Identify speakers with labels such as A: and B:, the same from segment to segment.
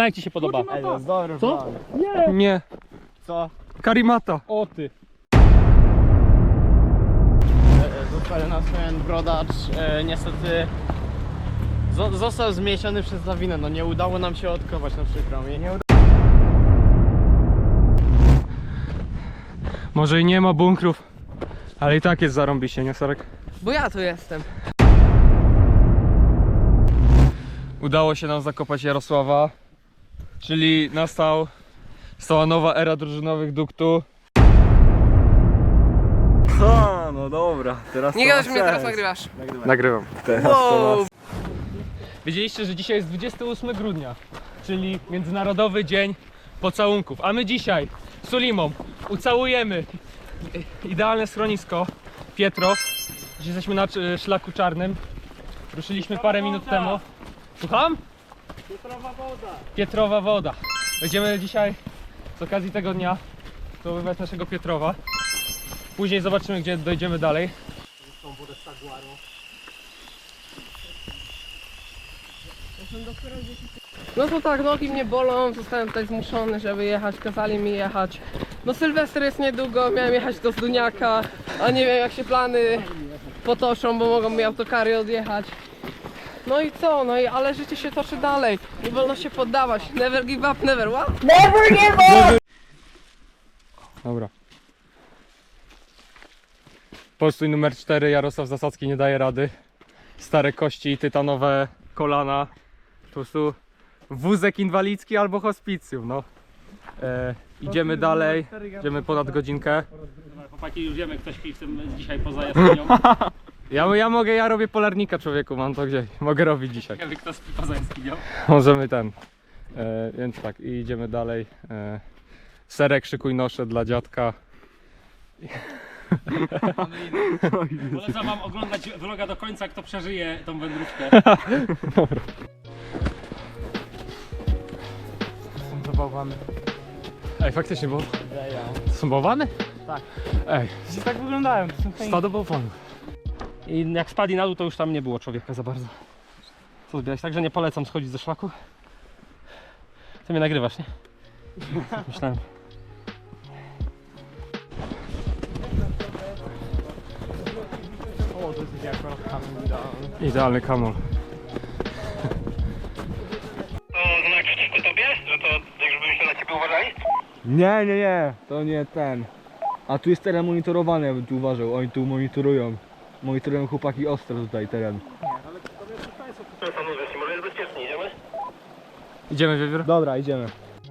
A: jak ci się podoba?
B: Ej, to jest dobry
A: Co?
B: plan.
A: Nie.
C: Nie.
B: Co?
C: Karimata.
A: O ty.
B: Został nas ten brodacz, niestety został zmiesiony przez lawinę, no nie udało nam się odkopać, na przykro mi.
C: Może i nie ma bunkrów, ale i tak jest zarąbiście, nie Sarek?
D: Bo ja tu jestem.
C: Udało się nam zakopać Jarosława, czyli nastała nowa era drużynowych duktu.
B: Ha, no dobra, teraz
D: Nie
B: to
D: gadasz
B: ma
D: mnie, teraz
B: sens.
D: nagrywasz.
C: Nagrywam.
D: Wow.
C: Wiedzieliście, że dzisiaj jest 28 grudnia, czyli Międzynarodowy Dzień Pocałunków, a my dzisiaj z Sulimą ucałujemy idealne schronisko Pietrow. Dzisiaj jesteśmy na szlaku czarnym. Ruszyliśmy parę minut temu. Słucham?
A: Pietrowa woda.
C: Pietrowa woda. Będziemy dzisiaj z okazji tego dnia zdobywać naszego Pietrowa. Później zobaczymy, gdzie dojdziemy dalej.
D: No to tak, nogi mnie bolą, zostałem tutaj zmuszony, żeby jechać, kazali mi jechać. No Sylwester jest niedługo, miałem jechać do Zduniaka, a nie wiem jak się plany potoczą, bo mogą mi autokary odjechać. No i co, no i ale życie się toczy dalej, nie wolno się poddawać, never give up, never what?
C: Dobra. Postój numer 4, Jarosław Zasadzki nie daje rady. Stare kości, tytanowe kolana. Po prostu wózek inwalidzki albo hospicjum, no. Idziemy dalej, idziemy ponad godzinkę.
A: Chłopaki, już wiemy, ktoś śpi w tym dzisiaj poza jaskinią.
C: Ja robię polarnika, człowieku, mam to gdzieś. Mogę robić dzisiaj.
A: Wiemy, kto śpi poza jaskinią.
C: Możemy ten. Więc tak, i idziemy dalej. Serek, szykuj nosze dla dziadka.
A: Polecam wam oglądać vloga do końca, kto przeżyje tą wędrówkę.
B: Są zabawany.
C: Ej, faktycznie, bo to są bałwany?
B: Tak.
C: Ej,
B: Tak wyglądają, to są fajne.
C: stado bałwanów.
A: I jak spadli na dół, to już tam nie było człowieka za bardzo. Co zbierać? Także nie polecam schodzić ze szlaku. Ty mnie nagrywasz, nie? Myślałem.
B: O, to jest jak kamień idealny.
C: Idealny kamol.
A: To znak przeciwko tobie? Że to żebyśmy na ciebie uważali?
B: Nie, to nie ten. A tu jest teren monitorowany, ja bym tu uważał, oni tu monitorują. Monitorują chłopaki ostro tutaj teren.
A: To samo wiesz, może jest bezpiecznie, idziemy?
C: Idziemy, Wiewiór?
B: Dobra, idziemy.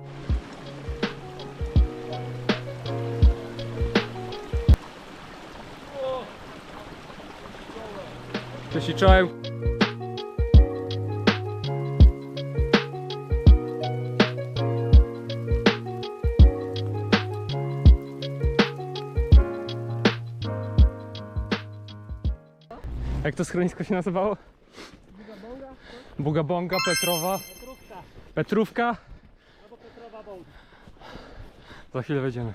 C: Cześć i czołem. Jak to schronisko się nazywało? Bugabonga, Petrowa. Petrówka.
A: Albo Petrowa Bąk.
C: Za chwilę wejdziemy.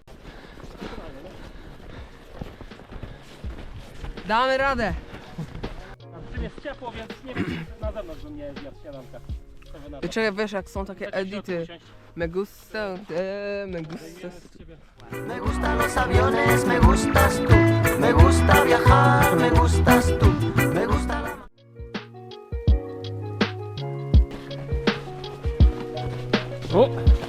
D: Damy radę.
A: W tym jest ciepło, więc nie wiem, czy na zewnątrz bym nie zjadł śniadanka. Co wy na to?
D: Czekaj, wiesz jak są takie
A: Chcecie w środku
D: edity.
A: usiąść?
D: Me gusta, me gusta.
E: Me gustan los aviones, me gustas tú. Me gusta viajar, me gustas tú. Me gusta la...
C: O!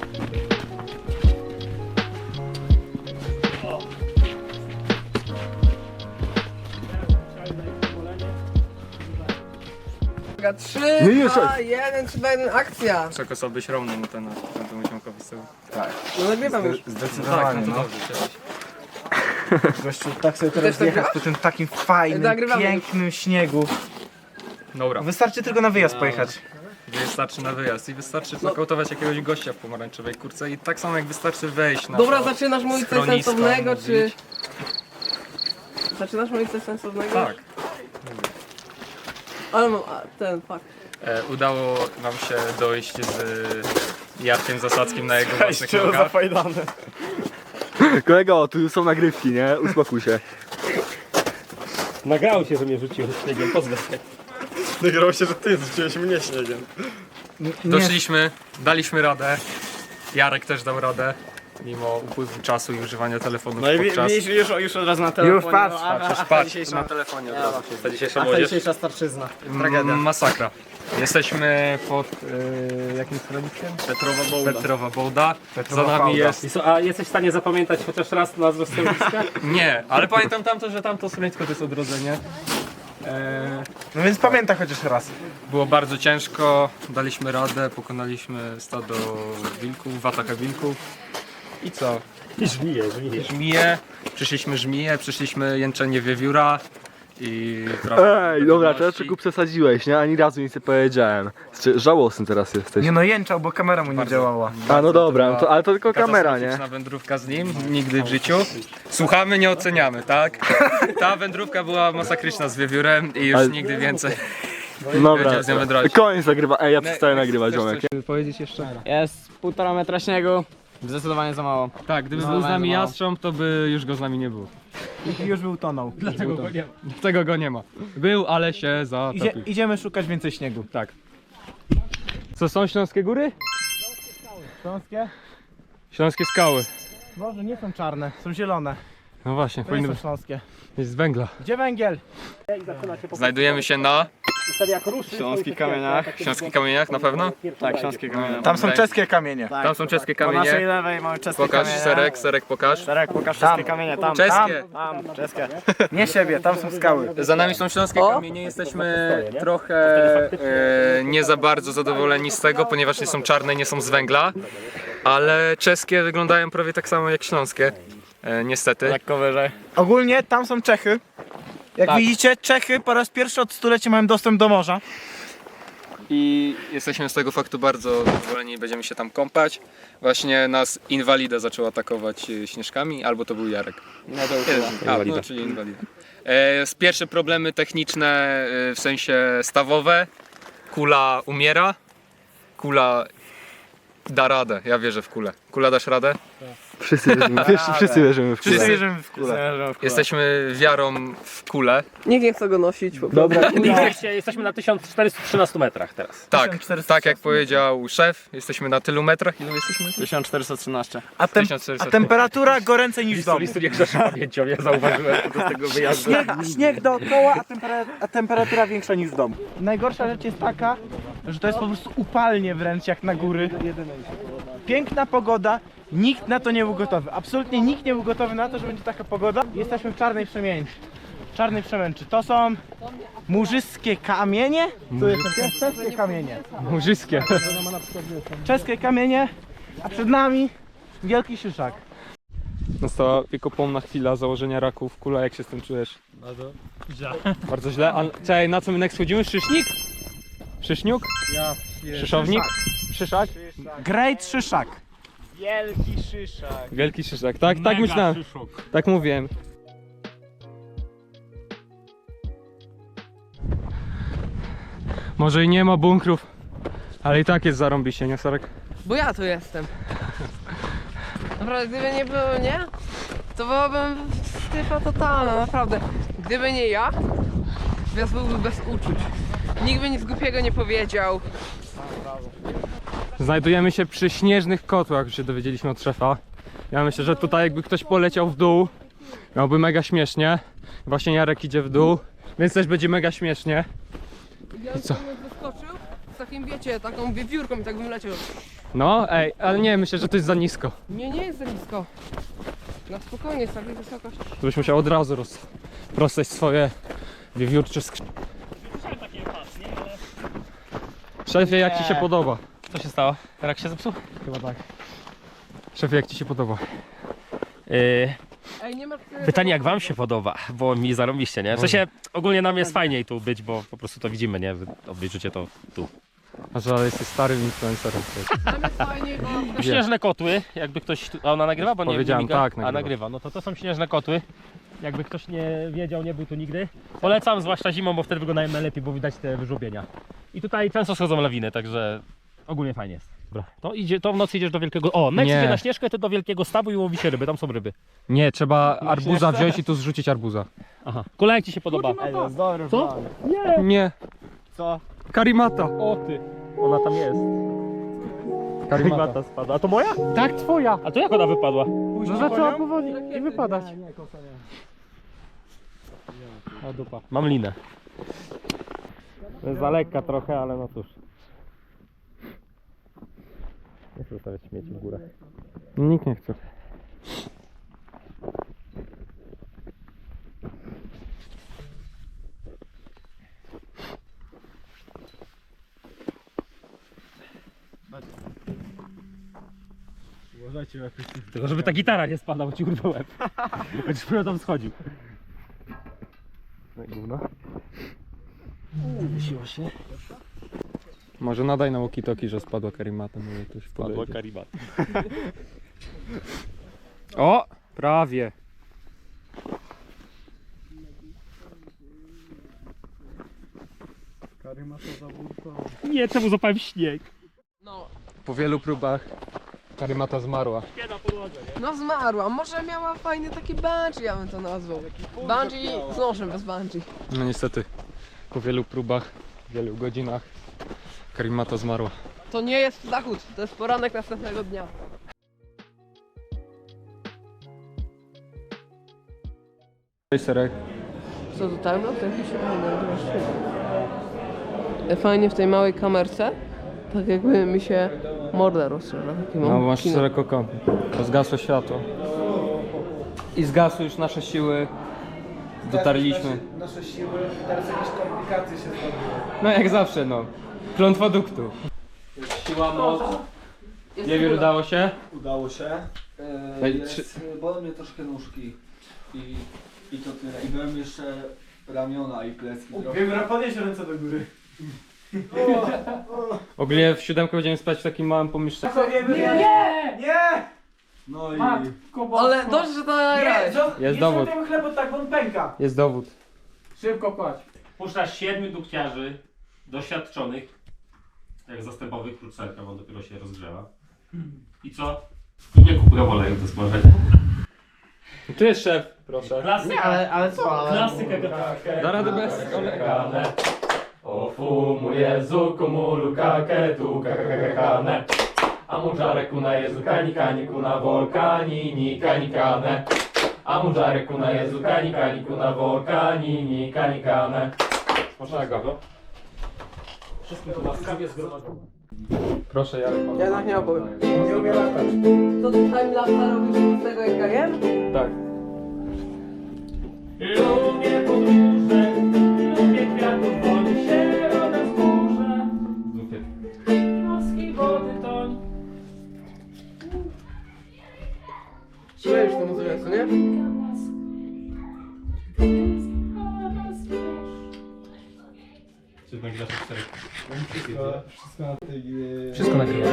D: Uwaga, 3,
B: Nie,
D: 2, 1, 3, 2, 1, akcja!
C: Czego sobie byś równą mu ten musiałkowi z tyłu.
D: No nagrywam już.
B: Zdecydowanie,
C: Tak, no to
B: no.
C: dobrze, cieszę się.
B: Gościu, tak sobie
D: Też
B: teraz
D: tak
B: jechać
D: grasz?
B: po tym takim fajnym,
D: Nagrywamy.
B: pięknym śniegu.
C: Dobra,
B: Wystarczy tylko na wyjazd pojechać.
C: wystarczy na wyjazd i wystarczy znokautować jakiegoś gościa w pomarańczowej kurce i tak samo jak wystarczy wejść na
D: Dobra,
C: to
D: zaczynasz mówić coś
C: schronisko,
D: sensownego, czy...
C: mówić.
D: Zaczynasz mówić coś sensownego?
C: Tak.
D: Ale mam, fuck.
C: Udało nam się dojść z Jarkiem Zasadzkim na jego własnych nogach.
B: zafajdane. Kolego, tu są nagrywki, nie? Uspokój się.
A: Nagrało się, że mnie rzuciło śniegiem, pozwę się.
B: Nagrało się, że ty rzuciłeś mnie śniegiem.
C: Doszliśmy, daliśmy radę. Jarek też dał radę. Mimo upływu czasu i używania telefonu
B: No i
C: podczas...
B: już od razu na telefonie.
F: Już patrz,
C: Patrz, na telefonie od razu. Ta dzisiejsza młodzież.
B: dzisiejsza starczyzna. Tragedia.
C: Masakra. Jesteśmy pod jakim schroniskiem?
B: Petrowa Bołda.
C: Petrowa Bołda. Za nami jest...
A: A jesteś w stanie zapamiętać chociaż raz nazwę schroniska?
C: Nie, ale pamiętam tamto, że tamto schronisko to jest odrodzenie.
F: No więc pamiętaj chociaż raz.
C: Było bardzo ciężko, daliśmy radę, pokonaliśmy stado wilków, atakę wilków. I co? Żmije. Przyszliśmy jęczenie wiewióra i trochę
G: Ej, dobra, teraz
C: gotowości.
G: tylko przesadziłeś, nie? Ani razu nic nie powiedziałem. Żałosny teraz jesteś.
F: Nie no, jęczał, bo kamera mu nie działała.
G: A no dobra, to, ale to tylko kamera, nie?
C: Katastrofyczna wędrówka z nim, nigdy w życiu. Słuchamy, nie oceniamy, tak? Ta wędrówka była masakryczna z wiewiórem i już
G: Ale-
C: nigdy więcej.
G: Dobra,
C: Będziemy z nią wędrować.
G: koniec nagrywa. Ej, ja przestaję nagrywać, ziomek.
C: Powiedzieć jeszcze?
B: Jest 1,5 metra śniegu. Zdecydowanie za mało.
C: Tak, gdyby
B: No,
C: był z nami
B: mało.
C: jastrząb, to by już go z nami nie było.
F: I już był tonął.
C: Dlatego go nie ma. Był, ale się zatopił.
F: Idziemy szukać więcej śniegu.
C: Tak. Co, są Śląskie Góry?
F: Śląskie?
C: Śląskie Skały.
F: Boże, nie są czarne, są zielone.
C: No właśnie,
F: To nie
C: powinny
F: są
C: być
F: śląskie.
C: z węgla.
F: Gdzie węgiel?
C: Znajdujemy się na
B: Śląskich kamieniach.
C: Śląskich Kamieniach na pewno?
B: Tak, śląskie kamienie.
F: Tam są czeskie kamienie.
C: Tam są czeskie
B: Po naszej
C: kamienie.
B: lewej mamy czeskie
C: Pokaż,
B: kamienie.
C: Serek pokaż.
B: Serek, pokaż czeskie kamienie. Tam,
C: Czeskie.
B: tam, czeskie.
F: Nie siebie, tam są skały.
C: Za nami są Śląskie Kamienie, jesteśmy trochę nie za bardzo zadowoleni z tego, ponieważ nie są czarne, nie są z węgla, ale czeskie wyglądają prawie tak samo jak śląskie, niestety.
B: Lekko wyżej.
F: Ogólnie tam są Czechy. Jak
C: Tak.
F: widzicie, Czechy po raz pierwszy od stulecia mają dostęp do morza.
C: I jesteśmy z tego faktu bardzo zadowoleni, będziemy się tam kąpać. Właśnie nas inwalida zaczął atakować śnieżkami, albo to był Jarek.
B: No to
C: No, czyli inwalida. Pierwsze problemy techniczne, w sensie stawowe. Kula umiera, kula da radę, ja wierzę w kulę. Kula, dasz radę?
G: Wszyscy wierzymy, wszyscy wierzymy w
F: Wszyscy
G: kulę.
F: wierzymy w kulę.
C: Jesteśmy wiarą w kulę.
D: Nikt nie chce go nosić. Po prostu.
G: Dobra,
A: Jesteśmy na 1413 metrach teraz.
C: Tak,
F: 1400.
C: tak jak powiedział szef, jesteśmy na tylu metrach. Ile jesteśmy?
B: 1413.
F: A,
C: 1400.
F: a temperatura goręcej niż w domu.
A: nie grzeszy pamięcią, ja zauważyłem do tego wyjazdu.
F: Śnieg dookoła, a temperatura większa niż w domu. Najgorsza rzecz jest taka, że to jest po prostu upalnie wręcz jak na góry. Piękna pogoda, nikt na to nie był gotowy. Absolutnie nikt nie był gotowy na to, że będzie taka pogoda. Jesteśmy w czarnej przemięczy. Czarnej przemęczy. To są murzyskie kamienie. To jest czeskie kamienie.
C: Murzyskie.
F: Czeskie kamienie, a przed nami wielki szyszak.
C: Nastała wiekopomna chwila założenia raków. Kula, jak się z tym czujesz? Bardzo źle. A czekaj, na co my next chodzimy? Szysznik? Szyszniuk? Szyszownik? Szyszak?
F: Great szyszak. Wielki szyszak.
C: Wielki szyszak, tak? Tak myślałem. Tak mówiłem. Może i nie ma bunkrów, ale i tak jest zarąbiście, nie Sarek?
D: Bo ja tu jestem. Naprawdę, gdyby nie było mnie, to byłabym stypa totalna, naprawdę. Gdyby nie ja, wyjazd byłby bez uczuć. Nikt by nic głupiego nie powiedział.
C: Znajdujemy się przy śnieżnych kotłach, już się dowiedzieliśmy od szefa. Ja myślę, że tutaj jakby ktoś poleciał w dół, miałby mega śmiesznie. Właśnie Jarek idzie w dół, więc też będzie mega śmiesznie.
D: Ja
C: co?
D: bym wyskoczył z takim, wiecie, taką wiewiórką i tak bym leciał.
C: No, ej, ale nie, myślę, że to jest za nisko.
D: Nie, nie jest za nisko. Na spokojnie, jest taka wysokość.
C: To byś musiał od razu rozprostać swoje wiewiórcze skrzydła. Szefie, jak ci się podoba?
A: Co się stało? Rak się zepsuł?
C: Chyba tak. Szefie, jak ci się podoba?
D: Ej, nie ma...
A: Pytanie, jak wam się podoba, bo mi zarąbiście, nie? W sensie ogólnie nam jest fajniej tu być, bo po prostu to widzimy, nie? Wy obejrzycie to tu.
C: A że jesteś starym influencerem.
D: Tam jest fajnie, bo...
A: Śnieżne kotły, jakby ktoś... A ona nagrywa? Bo nie
C: Powiedziałem,
A: miga?
C: tak,
A: A
C: nagrywa.
A: nagrywa, no to są śnieżne kotły. Jakby ktoś nie wiedział, nie był tu nigdy. Polecam, zwłaszcza zimą, bo wtedy wyglądają najlepiej, bo widać te wyżłobienia. I tutaj często schodzą lawiny, także ogólnie fajnie jest. Dobra, to w nocy idziesz do wielkiego... O, next
C: Nie.
A: idzie na Śnieżkę, to do wielkiego stawu i łowi się ryby, tam są ryby.
C: Nie, trzeba arbuza wziąć i tu zrzucić arbuza.
A: Aha. Kula, jak ci się podoba?
B: Ej, to jest dobry
A: Co?
B: plan.
C: Nie.
B: Co?
C: Karimata. O ty.
A: Ona tam jest. Karimata spada. A to moja?
C: Tak, twoja.
A: A to jak ona wypadła?
C: No zaczęła powoli i wypadać.
A: O dupa. Mam linę. To jest za lekka trochę, ale no cóż. Nie chcę zostawiać śmieci w górę.
C: Nikt nie chce.
A: Tylko żeby ta gitara nie spadła, bo ci urwę łeb. Będziesz dopiero tam schodził. No i gówno. Wysiło się.
C: Może nadaj na walkie-talkie, że spadła karimata. Może ktoś
A: Padła
C: podejdzie.
A: karibat.
C: O! Prawie.
A: Nie, czemu złapałem śnieg?
D: No,
C: Po wielu próbach karimata zmarła.
D: no zmarła. Może miała fajny taki bungee, ja bym to nazwał. Bungee z nożem bez bungee.
C: No niestety, po wielu próbach, wielu godzinach karimata zmarła.
D: To nie jest zachód, to jest poranek następnego dnia.
C: Cześć Serek.
D: Co tutaj? No to jakiś fajnie w tej małej kamerce. Tak jakby mi się morda rozszerza.
C: No masz Serek oko. To zgasło światło. I zgasły już nasze siły. Dotarliśmy.
F: Nasze siły, teraz jakieś komplikacje się zrobiły.
C: No jak zawsze no. Klątwa duktu. Siła, moc. Wiewiór, udało się?
G: Udało się.
C: Daj,
G: Bolą mnie troszkę nóżki. I to tyle. I byłem jeszcze ramiona i plecki trochę.
F: Wiem, podnieś ręce do góry.
C: Ogólnie w 7 będziemy spać w takim małym pomieszczeniu.
F: Nie!
G: No i...
D: Ale dobrze, że to nagrałeś.
C: Jest dowód.
F: Nie chleb, bo tak on pęka.
C: Jest dowód.
F: Szybko kładź.
A: Puszczasz 7 dukciarzy doświadczonych, jak zastępowych krótcelka, bo on dopiero się rozgrzewa. I co? I nie kup oleju do smażenia.
C: Tu jest szef, proszę.
A: Klasyka,
B: Ale co? Ale...
A: klasyka
C: Da radę bez kolega.
A: O fumu Jezu, kumulu kaketu kakakakane. A mundżare kuna Jezu kani kani kuna volkani ni kani kane. A mundżare kuna Jezu kani kani kuna volkani ni kani kane.
C: Można go.
A: Wszystkim to łaskawie zgromadzono.
C: Proszę Jarek.
D: Ja tak nie opowiem.
F: Nie umie latać.
D: To timelapsa robisz z tego jak ja jem?
C: Tak.
A: Lubię podróże, lubię kwiatów, woli się rodem w górze. Zupie. Morskiej wody toń.
D: Czujesz tę muzykę, co nie?
A: Czy nagrywasz czterech?
C: Wszystko nagrywa.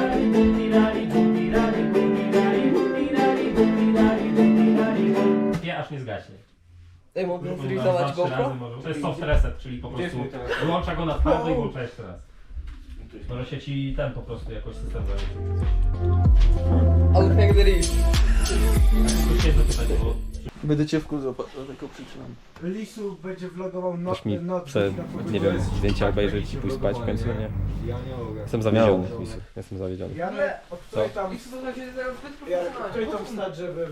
A: Nie, aż nie zgaśnie.
D: Ej, mogę
A: Dwa,
D: zrealizować
A: trzy razy
D: GoPro?
A: może. To jest soft reset, czyli po prostu wyłącza go na twardo i włącza jeszcze raz. Może się ci ten po prostu jakoś system zająć.
D: Ale jak the reef.
A: Tu się zapytać, bo
G: Będę cię wkurzał, tylko przyczynam.
F: Lisu będzie vlogował
A: Też mi
F: noc.
A: chcę, nie wiem, zdjęcia obejrzeć i pójść spać w końcu, nie? Jestem zawiedziony, Lisu. Jestem zawiedziony.
F: Janek, od której tam...
D: I słuchaj się teraz zbyt
F: Janek, od której tam wstać, żeby...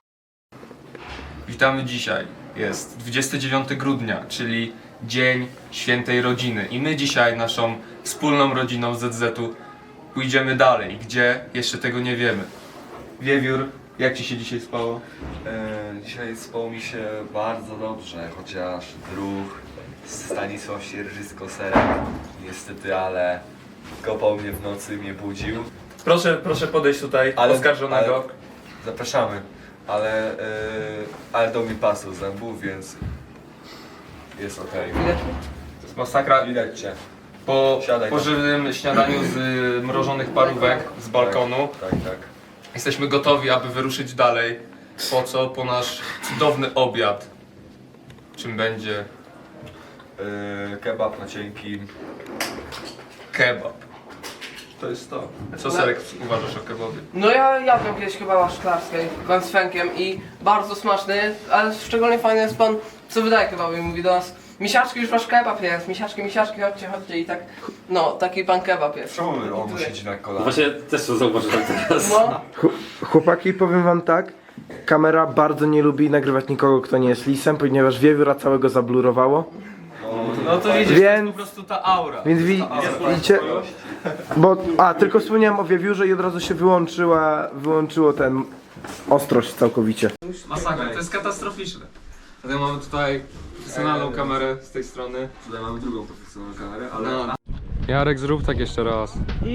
H: Witamy dzisiaj. Jest 29 grudnia, czyli Dzień Świętej Rodziny. I my dzisiaj naszą wspólną rodziną ZZ-u pójdziemy dalej. Gdzie? Jeszcze tego nie wiemy. Wiewiór, jak ci się dzisiaj spało?
I: Dzisiaj spało mi się bardzo dobrze, chociaż druh Stanisław Sierżysko-Serek niestety, ale kopał mnie w nocy, mnie budził.
H: Proszę podejść tutaj, oskarżonego.
I: Zapraszamy, ale dał mi pasu zębów, więc jest okej.
H: To jest masakra.
I: Widać cię.
H: Po
I: Siadaj tam.
H: pożywnym śniadaniu z mrożonych parówek z balkonu
I: Tak.
H: jesteśmy gotowi, aby wyruszyć dalej. Po co? Po nasz cudowny obiad. Czym będzie?
I: Kebab na cienkim.
H: Kebab. To jest to. Co Serek uważasz o kebabie?
D: No ja jadłem kiedyś kebaba szklarskiej, z fenkiem i bardzo smaczny, ale szczególnie fajny jest pan, co wydaje kebaby i mówi do nas Misiaczki, już wasz kebab jest. Misiaczki, chodźcie i tak. No, taki pan kebab jest.
I: Czemu on siedzi na kolanach?
A: Właśnie też to zauważyłem teraz.
D: No.
F: Chłopaki, powiem wam tak. Kamera bardzo nie lubi nagrywać nikogo, kto nie jest lisem, ponieważ wiewióra całego zablurowało.
H: No to widzisz, to jest po prostu ta aura.
F: Więc widzicie, tylko wspomniałem o wiewiórze i od razu się wyłączyło ten ostrość całkowicie.
H: Masakra, to jest katastroficzne. Dlatego mamy tutaj profesjonalną kamerę z tej strony.
I: Tutaj mamy drugą profesjonalną kamerę, ale...
H: No. Jarek, zrób tak jeszcze raz.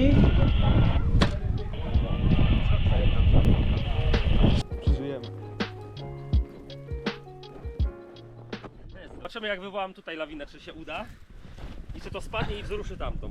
A: Zobaczymy, jak wywołam tutaj lawinę, czy się uda i czy to spadnie i wzruszy tamtą.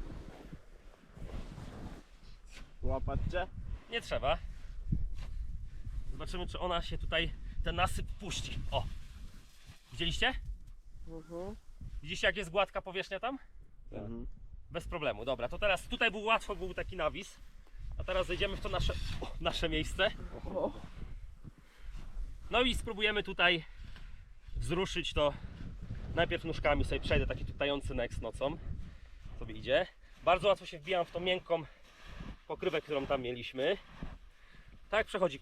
B: Łapać cię?
A: Nie trzeba. Zobaczymy, czy ona się tutaj, ten nasyp puści. O! Widzieliście? Widzicie, jak jest gładka powierzchnia tam? Bez problemu. Dobra, to teraz tutaj był taki nawis, a teraz zejdziemy w to nasze miejsce. No i spróbujemy tutaj wzruszyć to. Najpierw nóżkami sobie przejdę, taki tutający next nocą sobie idzie. Bardzo łatwo się wbijam w tą miękką pokrywę, którą tam mieliśmy. Tak, przechodzi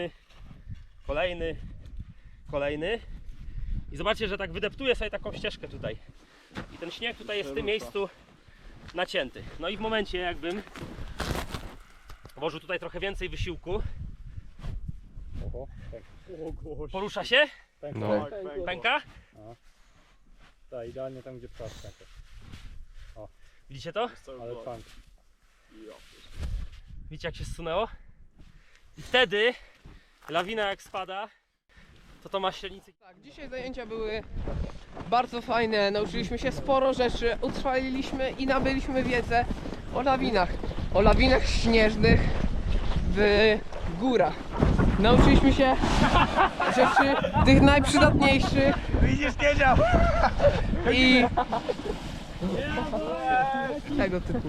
A: kolejny. I zobaczcie, że tak wydeptuję sobie taką ścieżkę tutaj. I ten śnieg tutaj jest w tym miejscu nacięty. No i w momencie, jakbym włożył tutaj trochę więcej wysiłku. Porusza się?
H: No.
A: Pęka?
C: Tak, idealnie tam, gdzie wpadł.
A: Widzicie to?
C: Ale pan.
A: Widzicie, jak się zsunęło? I wtedy lawina jak spada, to ma średnicy.
D: Tak, dzisiaj zajęcia były bardzo fajne. Nauczyliśmy się sporo rzeczy, utrwaliliśmy i nabyliśmy wiedzę o lawinach. O lawinach śnieżnych w górach. Nauczyliśmy się rzeczy tych najprzydatniejszych.
F: Widzisz, nie działa!
D: I tego typu.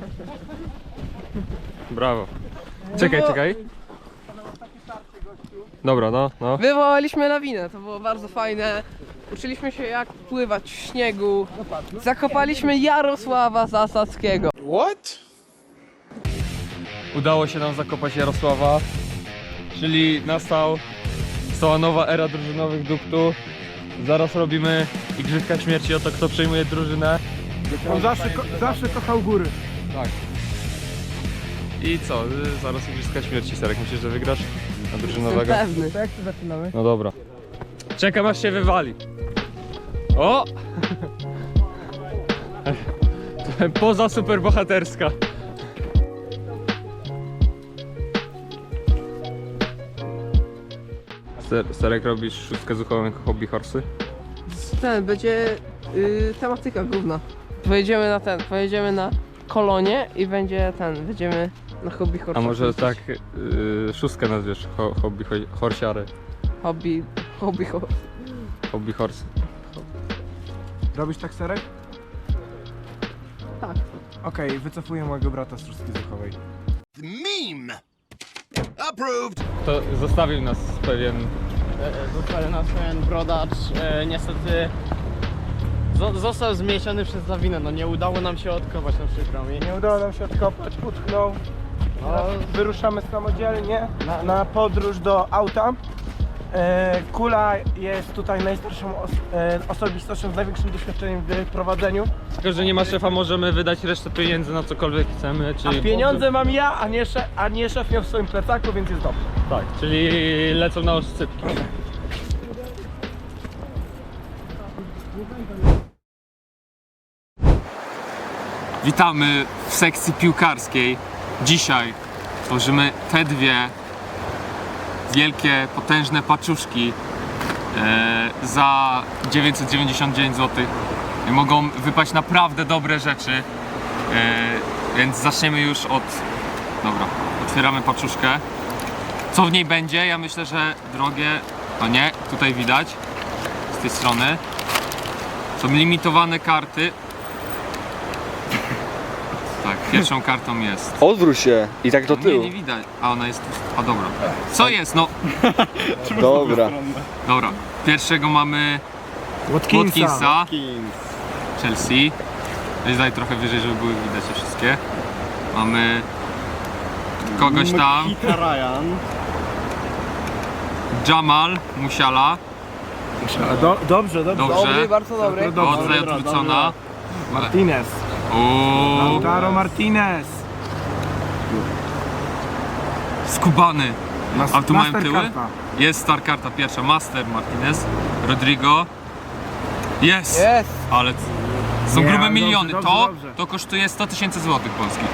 H: Brawo. Czekaj. Dobra, no.
D: Wywołaliśmy lawinę, to było bardzo fajne. Uczyliśmy się, jak pływać w śniegu. Zakopaliśmy Jarosława Zasadzkiego.
H: Udało się nam zakopać Jarosława, czyli nastała nowa era drużynowych duktów. Zaraz robimy igrzyska śmierci o to, kto przejmuje drużynę.
F: On zawsze kochał góry.
H: Tak. I co? Zaraz igrzyska śmierci. Serek, myślisz, że wygrasz na drużynowego?
D: Pewny.
F: To jak to zaczynamy?
H: No dobra. Czekam, aż się wywali. O! Poza superbohaterska. Serek, robisz szóstkę z uchową jako hobby horsey?
D: Ten będzie tematyka główna. Pojedziemy na kolonie i będziemy na hobby horse.
H: A może tak szóstkę nazwiesz hobby horsiary?
D: Hobby horse.
H: Hobby horse.
F: Robisz tak, Serek?
D: Tak.
F: Okej, wycofuję mojego brata z szóstki zuchowej.
H: To zostawił nas pewien...
B: Zostawił nas pewien brodacz. Niestety został zmiesiony przez lawinę. No nie udało nam się odkopać, no przykro mi.
F: Nie udało nam się odkopać, utknął. Wyruszamy samodzielnie na podróż do auta. Kula jest tutaj najstarszą osobistością z największym doświadczeniem w prowadzeniu.
H: Tylko, że nie ma szefa, możemy wydać resztę pieniędzy na cokolwiek chcemy, czyli...
F: A pieniądze mam ja, a nie szef miał w swoim plecaku, więc jest dobrze.
H: Tak, czyli lecą na oscypki. Witamy w sekcji piłkarskiej. Dzisiaj tworzymy te dwie wielkie, potężne paczuszki za 999 zł. Mogą wypaść naprawdę dobre rzeczy, więc zaczniemy już od... Dobra, otwieramy paczuszkę. Co w niej będzie? Ja myślę, że drogie... No nie, tutaj widać z tej strony. Są limitowane karty. Tak, pierwszą kartą jest...
I: Odwróć się i tak do
H: Nie,
I: tyłu.
H: nie widać. A ona jest... A dobra. Co jest? No...
I: Dobra.
H: Dobra. Pierwszego mamy
C: Watkinsa, Chelsea. Weź daj trochę wyżej, żeby były widać te wszystkie. Mamy kogoś tam.
B: Ryan.
C: Jamal Musiala.
F: Dobrze.
C: Dobrze.
D: bardzo dobry.
C: Odza odwrócona.
F: Martinez.
C: Uuu,
F: Lautaro Martinez.
C: skubany. A tu mają tyły?
F: Mastercarda.
C: Jest star karta pierwsza. Master Martinez. Rodrigo. Jest!
D: Jest.
C: Ale są
F: Nie,
C: grube
F: dobrze,
C: miliony.
F: dobrze,
C: To
F: dobrze.
C: kosztuje 100 000 złotych polskich.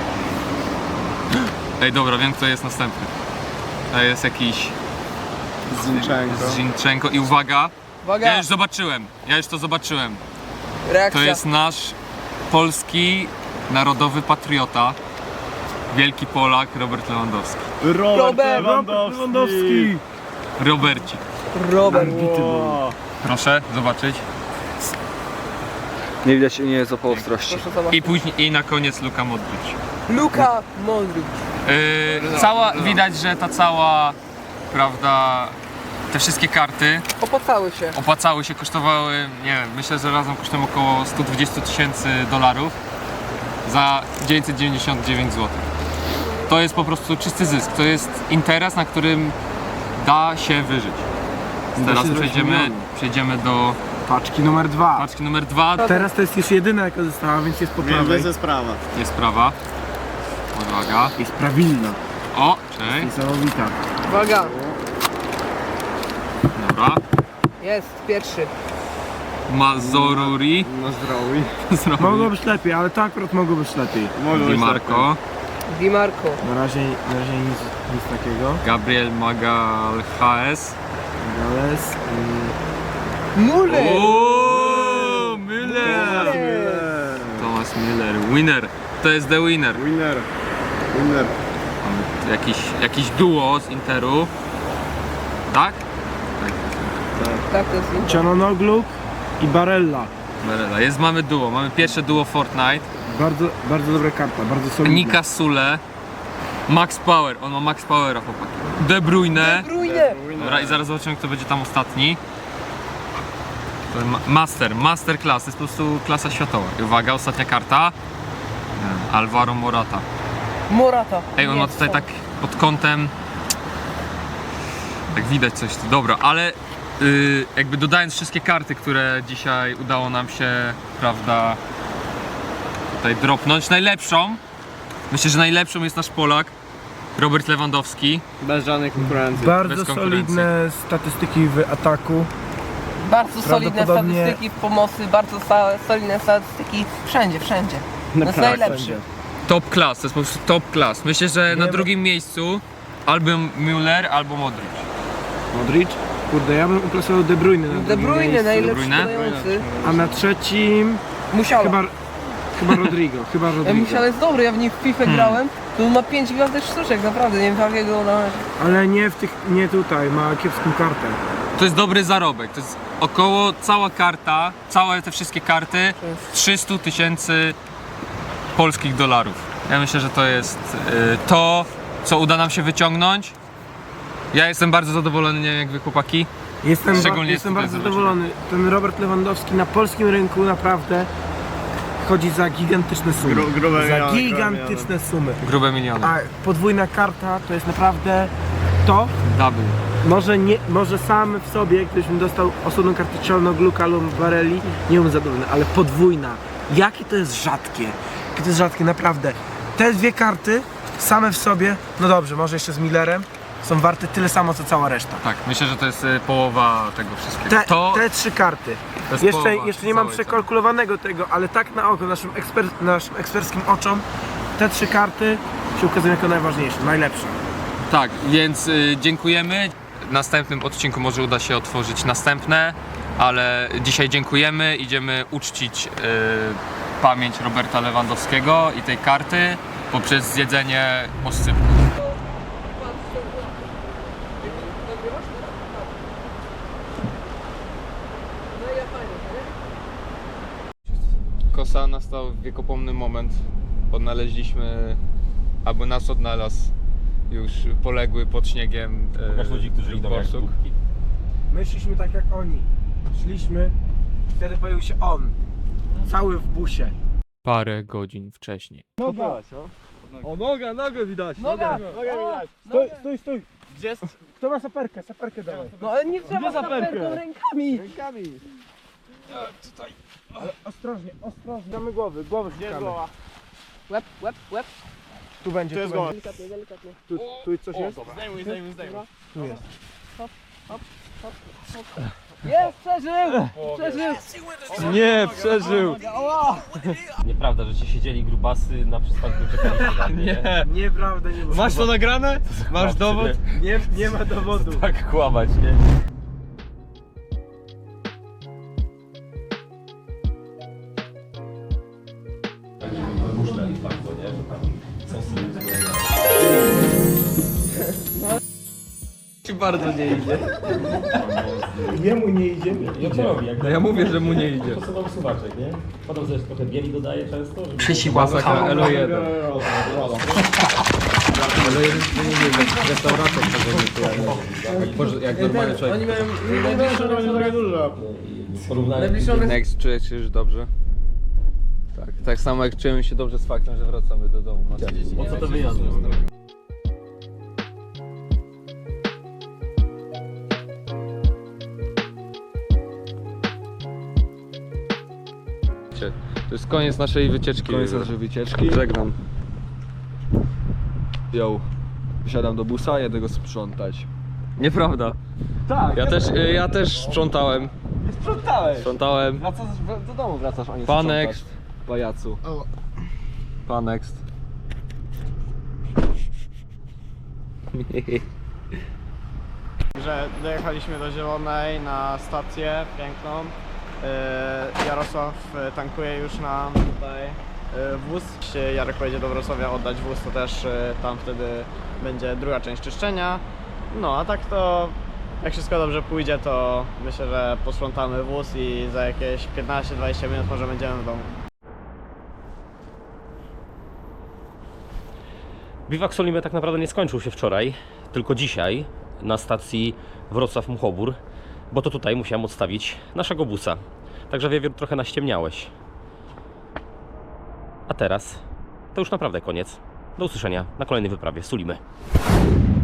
C: Ej, dobra, wiem kto jest następny. To jest jakiś Zinchenko i uwaga,
D: Uwaga,
C: ja już to zobaczyłem.
D: reakcja.
C: To jest nasz polski narodowy patriota, wielki Polak Robert Lewandowski.
D: Robert
F: Lewandowski.
C: Robercik.
D: Robert.
C: Proszę zobaczyć.
G: Nie widać, nie jest o ostrości.
D: Proszę zobaczyć.
C: I później i na koniec Luka Modric.
D: Luka Modric.
C: Widać, że ta cała, prawda, te wszystkie karty
D: Opłacały się.
C: kosztowały, nie wiem, myślę, że razem kosztują około 120 000 dolarów za 999 zł. To jest po prostu czysty zysk, to jest interes, na którym da się wyżyć. Teraz przejdziemy do
F: Paczki numer 2.
C: paczki numer 2.
F: Teraz to jest już jedyna jaka została, więc jest po prawej.
B: sprawa.
C: Jest prawa. Uwaga.
F: Jest prawilna.
C: O, cześć.
F: Niesamowita.
D: Uwaga,
C: Dobra.
D: jest pierwszy.
C: Mazoruri.
F: Mogło być lepiej, ale to akurat mogło być lepiej.
C: Di Marco.
D: Di Marco.
F: Na razie nic takiego.
C: Gabriel Magalhaes.
F: Gales.
D: Muller.
C: Ooo, Müller! Thomas Müller, winner. To jest the winner.
B: Winner.
C: Mamy jakiś duo z Interu. Tak?
D: Tak, to jest Inter.
F: Cianonoglu i Barella.
C: Barella. Mamy duo. Mamy pierwsze duo Fortnite.
F: Bardzo dobra karta, bardzo solidna.
C: Nika Sule. Max Power. On ma Max Powera, chłopaki. De Bruyne. Dobra, i zaraz zobaczymy, kto będzie tam ostatni. To Master Class. To jest po prostu klasa światowa. I uwaga, ostatnia karta. Alvaro Morata. Ej, on ma tutaj tak pod kątem. Tak widać coś tu. Dobra, ale jakby dodając wszystkie karty, które dzisiaj udało nam się, prawda, tutaj dropnąć. Myślę, że najlepszą jest nasz Polak, Robert Lewandowski.
B: Bez żadnej konkurencji.
F: Bardzo
C: bez konkurencji.
F: solidne statystyki w ataku.
D: Bardzo solidne
F: Prawdopodobnie-
D: statystyki w pomocy, bardzo solidne statystyki wszędzie. To jest najlepszy.
C: Top class, to jest po prostu top class. Myślę, że na
F: Nie,
C: drugim miejscu albo Müller, albo Modric.
F: Modric. Kurde, ja bym uplasował De Bruyne na
D: De
F: drugim
D: Bruyne,
F: miejscu.
D: najlepszy
C: Bruyne?
D: podający.
F: A na trzecim
D: Musiała.
F: chyba Rodrigo.
D: Musiał jest dobry, ja w nim w FIFA grałem. To ma 5 gwiazdek sztuczek, naprawdę, nie wiem jakiego na razie.
F: Ale nie tutaj, ma kiepską kartę.
C: To jest dobry zarobek. To jest około cała karta, całe te wszystkie karty 300 000 polskich dolarów. Ja myślę, że to jest to, co uda nam się wyciągnąć. Ja jestem bardzo zadowolony, nie wiem jak wy chłopaki.
F: Jestem
C: Szczególnie
F: bardzo
C: tutaj
F: zadowolony. Ten Robert Lewandowski na polskim rynku naprawdę chodzi za gigantyczne sumy. Gigantyczne sumy.
C: Grube miliony.
F: A podwójna karta to jest naprawdę to.
C: Double.
F: Może sam w sobie, gdybyśmy dostał osobną kartę Cianogluka lub Barelli, nie byłbym zadowolony, ale podwójna. Jakie to jest rzadkie. Jakie to jest rzadkie, naprawdę. Te dwie karty same w sobie, no dobrze, może jeszcze z Millerem, są warte tyle samo co cała reszta.
C: Tak, myślę, że to jest połowa tego wszystkiego.
F: Te trzy karty.
C: to jest
F: Jeszcze
C: połowa
F: nie mam
C: całej
F: przekalkulowanego tego, ale tak na oko, naszym eksperckim oczom, te trzy karty się ukazują jako najważniejsze, najlepsze.
C: Tak, więc dziękujemy. W następnym odcinku może uda się otworzyć następne, ale dzisiaj dziękujemy. Idziemy uczcić pamięć Roberta Lewandowskiego i tej karty poprzez zjedzenie oscypku. Kosa, nastał wiekopomny moment. Odnaleźliśmy, albo nas odnalazł już poległy pod śniegiem
A: Pokaż ludzi, którzy idą jak
C: borsuk.
A: głupki.
F: My szliśmy tak jak oni. Szliśmy, wtedy pojawił się on. Cały w busie.
C: Parę godzin wcześniej.
G: O, nogę widać.
D: Noga!
F: Stój.
B: Gdzie jest?
F: Kto ma saperkę? Saperkę dawaj.
D: No ale nie trzeba saperką rękami!
F: Ostrożnie. Damy głowy szukamy.
D: Łeb.
F: Tu będzie,
B: Tu jest
F: tu
B: głowa.
F: będzie.
D: Delikatnie.
F: Tu coś jest?
B: Zdejmuj.
F: Tu jest.
D: Jest! Przeżył!
G: Nie, przeżył.
A: Nieprawda, że ci siedzieli grubasy na przystanku czekaliście na mnie.
G: Nie.
F: Nieprawda, nie było.
G: Masz to nagrane? Masz dowód?
F: Nie ma dowodu.
A: Tak kłamać, nie? Wymuszczali bardzo, nie? Że tam sosy.
G: Ci bardzo nie idzie.
F: Jemu nie idzie.
A: I co robi? Jak
G: Ja mówię, że mu nie idzie.
A: posuwam suwaczek, nie? Potem też trochę bieli dodaje często. Żeby...
G: Masakra Elo1. Elo1 to nie wiem, jak restauracja jak normalny człowiek.
D: Oni mają najbliższą
A: Porównanie.
G: Next, czujesz się już dobrze? Tak samo jak czujemy się dobrze z faktem, że wracamy do domu.
A: Po co to wyjazd?
G: To jest koniec naszej wycieczki. Koniec naszej wycieczki. Żegnam. Yo. Wsiadam do busa, jedę go sprzątać. Nieprawda.
F: Tak.
G: Ja też sprzątałem. Sprzątałem.
F: Wracasz do domu, wracasz, a nie
G: Panext. Pajacu. Panext.
B: Że dojechaliśmy do Zielonej na stację piękną. Jarosław tankuje już nam tutaj wóz. Jeśli Jarek pojedzie do Wrocławia oddać wóz, to też tam wtedy będzie druga część czyszczenia. No a tak to jak wszystko dobrze pójdzie, to myślę, że posprzątamy wóz i za jakieś 15-20 minut może będziemy w domu.
A: Biwak Solimy tak naprawdę nie skończył się wczoraj, tylko dzisiaj na stacji Wrocław-Muchobór, bo to tutaj musiałem odstawić naszego busa. Także Wiewiór, trochę naściemniałeś. A teraz to już naprawdę koniec. Do usłyszenia na kolejnej wyprawie Sulimy.